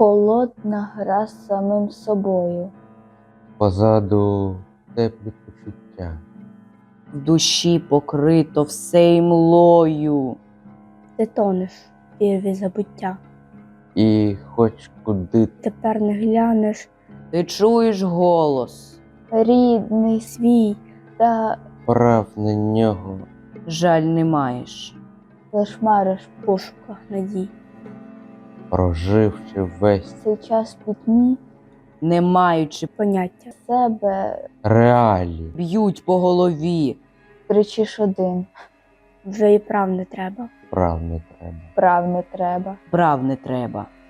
холодна гра з самим собою. Позаду теплі почуття. В душі покрито все імлою. Ти тонеш в вірві забуття. І хоч куди Тепер не глянеш Ти чуєш голос, Рідний свій, та прав на нього, жаль не маєш. лиш мариш в пошуках надій. проживши весь цей час в пітьмі Не маючи, Поняття себе, реалії. б'ють по голові. кричиш один, вже і прав не треба. Прав не треба. прав не треба. Прав не треба.